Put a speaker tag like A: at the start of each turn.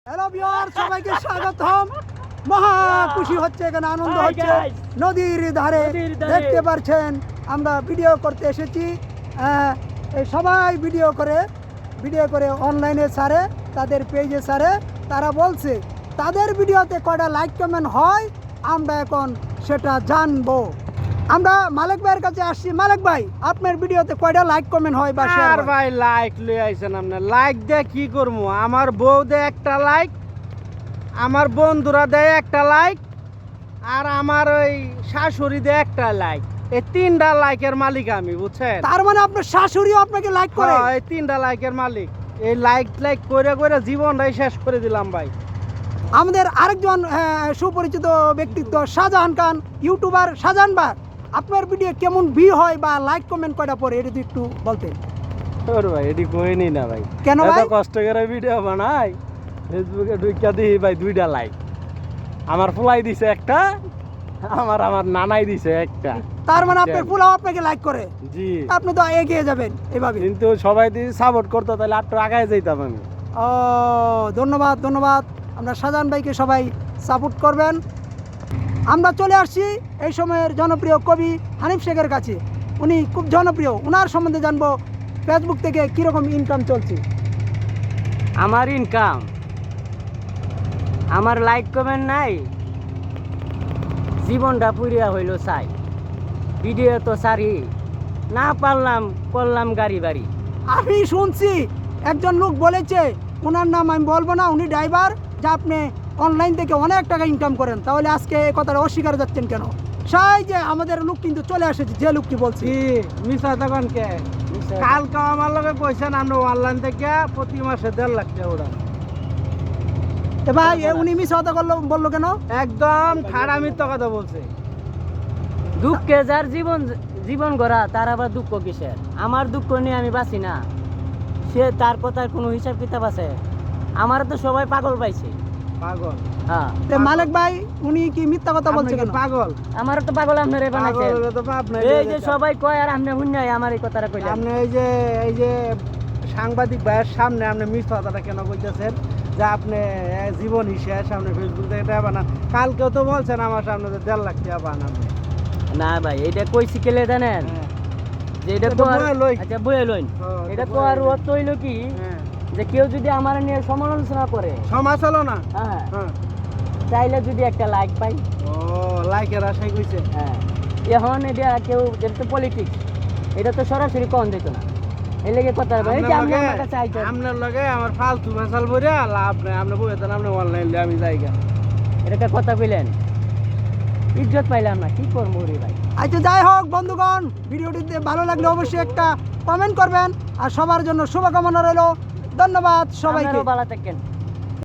A: Hello viewer, সবাইকে স্বাগতম। মহা খুশি হচ্ছে, এখানে আনন্দ হচ্ছে। নদীর ধারে দেখতে পাচ্ছেন আমরা ভিডিও করতে এসেছি। এই সবাই ভিডিও করে অনলাইনে ছাড়ে, তাদের পেজে ছাড়ে। তারা বলছে তাদের ভিডিওতে কয়টা লাইক কমেন্ট হয়, আমরা এখন সেটা জানবো। আমরা মালিক ভাইয়ের কাছে আসছি। মালিক ভাই, আপনার ভিডিওতে কয়টা লাইক কমেন্ট হয় বা শেয়ার হয়?
B: ভাই লাইক লই আইছেন আপনি, লাইক দিয়ে কি করবো? আমার বউ দেয় একটা লাইক, আমার বন্ধুরা দেয় একটা লাইক, আর আমার ওই শাশুড়ি দেয় একটা লাইক। এই তিনটা লাইকের মালিক আমি, বুঝছেন?
A: তার মানে আপনার শাশুড়িও আপনাকে লাইক করে?
B: এই তিনটা লাইকের মালিক। এই লাইক করে করে জীবনটাই শেষ করে দিলাম ভাই।
A: আমাদের আরেকজন সুপরিচিত ব্যক্তিত্ব শাহজাহান খান, ইউটিউবার শাহজাহান ভাই, আপনার ভিডিও কেমন ভিউ হয় বা লাইক কমেন্ট কয়টা পরে এটা একটু বলতেন।
B: ওর ভাই এটি কইনি না ভাই,
A: কেন ভাই?
B: এত কষ্ট করে ভিডিও বানাই, ফেসবুকে ঢুইকা দিই ভাই দুইটা লাইক। আমার ফুলাই দিছে একটা, আমার নানাই দিছে একটা।
A: তার মানে আপনার ফুলাও আপনাকে লাইক করে?
B: জি।
A: আপনি তো এগিয়ে যাবেন এভাবে।
B: কিন্তু সবাই যদি সাপোর্ট করতো তাহলে একটু আগায় যাইতাম আমি।
A: ও, ধন্যবাদ ধন্যবাদ। আমরা শাহজাহান ভাইকে সবাই সাপোর্ট করবেন। আমরা চলে আসছি এই সময়ের জনপ্রিয় কবি হানিফ শেখের কাছে। উনি খুব জনপ্রিয়, ওনার সম্বন্ধে জানবো ফেসবুক থেকে কীরকম ইনকাম চলছে।
C: আমার ইনকাম, আমার লাইক কমেন্ট নাই, জীবনটা পুরিয়া হইল চাই। ভিডিও তো সারি না পারলাম, করলাম গাড়ি বাড়ি।
A: আমি শুনছি একজন লোক বলেছে, ওনার নাম আমি বলবো না, উনি ড্রাইভার, যে আপনি অনলাইন থেকে অনেক টাকা ইনকাম করেন। তাহলে আজকে এই কথাটা অস্বীকার যাচ্ছেন কেন? সাই যে আমাদের লোক কিন্তু চলে এসেছে, যে লোকটি বলছি।
B: কি মিছা তখন কে? কালকে আমার লগে কইছেন আমরা অনলাইন থেকে প্রতি মাসে 1.5 লাখ টাকা উড়ান।
A: ভাই উনি মিস কথা বললো কেন?
B: একদম ঠাড়া মিথ্যা কথা বলছে।
C: দুঃখে যার জীবন গড়া, তার আবার দুঃখ কিসের? আমার দুঃখ নিয়ে আমি বাঁচি না, সে তার কথার কোনো হিসাব কিতাব আছে? আমার তো সবাই পাগল পাইছে।
B: পাগল?
C: হ্যাঁ।
A: মালিক ভাই উনি কি মিথ্যা কথা বলছে কেন?
B: পাগল?
C: আমার তো পাগল আপনারে বানাইছে। এই যে সবাই কয় আর আপনি হুন্যাই আমার এই কথাটা কইলেন।
B: আপনি এই যে সাংবাদিক ভাইয়ের সামনে আপনি মিথ্যা কথাটা কেন কইতেছেন? যে আপনি জীবন হিসেবে সামনে ফেসবুক থেকে টাকা বানান। কালকেও তো বলছেন আমার সামনে যে 1.5 লাখ টাকা বানান।
C: না ভাই, এটা কইছি কেলে জানেন? যে এটা তো আচ্ছা বইয়ে লইন, এটা তো আর অর্থ হইল কি, যে কেউ যদি আমার নিয়ে সমালোচনা করে,
B: সমালোচনা,
C: হ্যাঁ, চাইলে যদি একটা লাইক পাই।
B: ও লাইকের আশাই কইছে।
C: হ্যাঁ, এখন এটা কেউ, এটা তো পলিটিক্স, এটা তো সরাসরি কম দিত না। এই লেগে কথা হবে, এই যে আপনি আমার কাছে আইছেন,
B: আপনার লগে আমার ফালতু ফেসাল বইরা লাভ নাই। আপনি বইতেন আপনি অনলাইন দিয়ে আমি যাইগা,
C: এটা কথা কইলেন, ইজ্জত পাইলাম না, কি করবো রে ভাই।
A: আচ্ছা যাই হোক বন্ধুগণ, ভিডিওটিতে ভালো লাগলে অবশ্যই একটা কমেন্ট করবেন, আর সবার জন্য শুভকামনা রইল। ধন্যবাদ সবাইকে।
C: ভালো থাকেন।